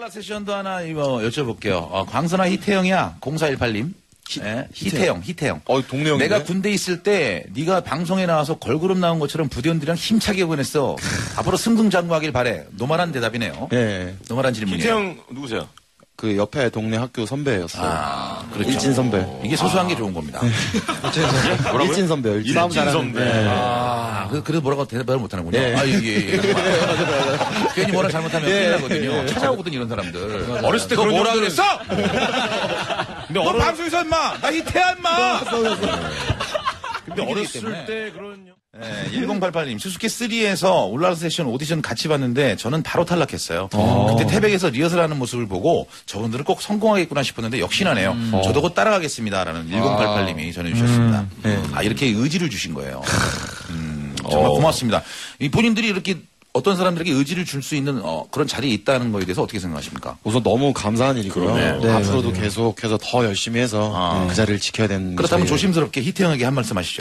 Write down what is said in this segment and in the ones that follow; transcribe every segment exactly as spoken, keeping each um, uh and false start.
올라 세션도 하나 이거 여쭤볼게요. 어, 광선아 희태형이야. 공사일팔 님. 히, 네, 희태형, 희태형. 어, 동네형. 내가 군대 있을 때 네가 방송에 나와서 걸그룹 나온 것처럼 부대원들이랑 힘차게 보냈어. 앞으로 승승장구하길 바래. 노말한 대답이네요. 예. 노말한 질문이에요. 희태형 누구세요? 그 옆에 동네 학교 선배였어요. 아, 그렇죠. 일진 선배. 이게 소소한 아. 게 좋은 겁니다. 뭐라고요? 일진 선배요. 일진, 일진 선배. 네. 아, 그, 그래도 뭐라고 대답을 못하는군요. 예. 아, 예, 예. 예. 괜히 뭐라 잘못하면 큰일 나거든요. 찾아오거든, 이런 사람들. 어렸을 때 너 그런 뭐라 형들은- 그랬어? 근데 너 어려... 방송에서 임마! 나 희태야, 임마! 근데 어렸을 때 그런 네, 천팔십팔 님, 수수께쓰리에서 울랄라 세션 오디션 같이 봤는데 저는 바로 탈락했어요. 그때 태백에서 리허설하는 모습을 보고 저분들은 꼭 성공하겠구나 싶었는데 역시나네요. 음. 저도 곧 따라가겠습니다라는 천팔십팔 님이 전해주셨습니다. 음. 네. 아, 이렇게 의지를 주신 거예요. 음, 정말 고맙습니다. 이 본인들이 이렇게 어떤 사람들에게 의지를 줄 수 있는 어, 그런 자리에 있다는 거에 대해서 어떻게 생각하십니까? 우선 너무 감사한 일이고요. 네, 네, 앞으로도 맞아요. 계속해서 더 열심히 해서 아. 그 자리를 지켜야 되는. 그렇다면 저희... 조심스럽게 희태형에게 한 말씀 하시죠.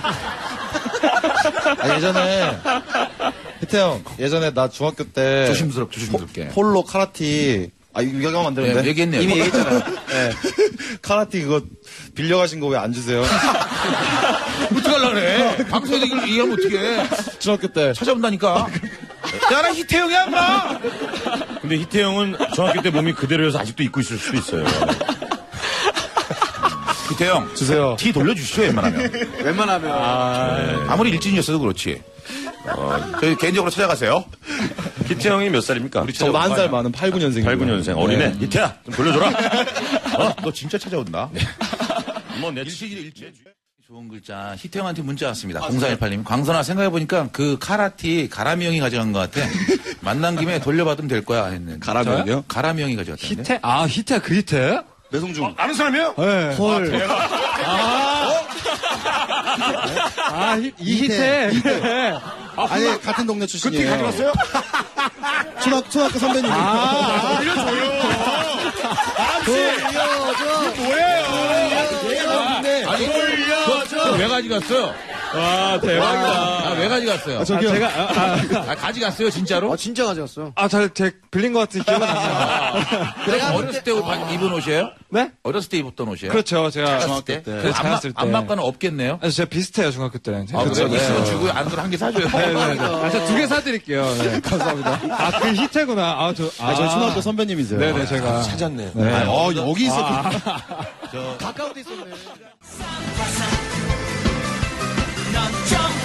아, 예전에 희태형 예전에 나 중학교 때 조심스럽게 조심스럽게 폴로 카라티 아 이거 얘기하면 안 되는데 네, 얘기했네요. 이미 얘기했잖아요. 네. 카라티 그거 빌려가신 거 왜 안 주세요? 어떡하려고 그래? 방송에서 이걸 얘기하면 어떡해? 중학교 때 찾아온다니까. 야, 나 희태형이야, 인마! 근데 희태형은 중학교 때 몸이 그대로여서 아직도 입고 있을 수도 있어요. 희태형. 주세요. 티 돌려주시죠, 웬만하면. 웬만하면. 아, 네. 아무리 일진이었어도 그렇지. 어, 저희 개인적으로 찾아가세요. 희태형이 몇 살입니까? 우리 저보다 한 살 많은 팔십구 년생. 팔십구 년생. 어리네. 네. 희태야, 좀 돌려줘라. 어? 너 진짜 찾아온다. 네. 뭐, 내 일시, 일시. 좋은 글자. 희태형한테 문자 왔습니다. 공사일팔 님. 광선아, 생각해보니까 그 카라티 가람이 형이 가져간 것 같아. 만난 김에 돌려받으면 될 거야. 했는데. 가람이 형이요? 가람이 형이 가져갔다는데. 희태? 아, 희태, 그 희태? 매송중. 어, 아는 사람이에요? 네. 헐. 아, 아 희, 이 희태. 희태. 아니 같은 동네 그 출신이에요. 티 가져갔어요? 초등 초등학교 선배님. 아, 돌려줘요. 돌려줘. 아니, 돌려줘. 왜 가져갔어요? 와, 대박이다. 아, 왜 가져갔어요? 아, 제가, 아, 아, 아, 가져갔어요, 진짜로? 아, 진짜 가져갔어요. 아, 잘, 제, 빌린 것 같은 기억은 안 나요. 그럼 어렸을 때 입- 입은 옷이에요? 네? 어렸을 때 입었던 옷이에요? 그렇죠, 제가. 중학교 때? 네, 그 안마, 자랐을 때. 안마과는 없겠네요? 아, 제가 비슷해요, 중학교 때는. 아, 그래요? 네. 있으면 주고 안 그럼 한 개 사줘요. 네네네. 아, 저 두 개 사드릴게요. 네, 감사합니다. 아, 그 희태구나. 아, 저, 아, 아, 저희 초등학교 선배님이세요. 네네, 제가. 찾았네. 네. 아, 어, 여기 있어. 가까운 데 있었네. 넌 좀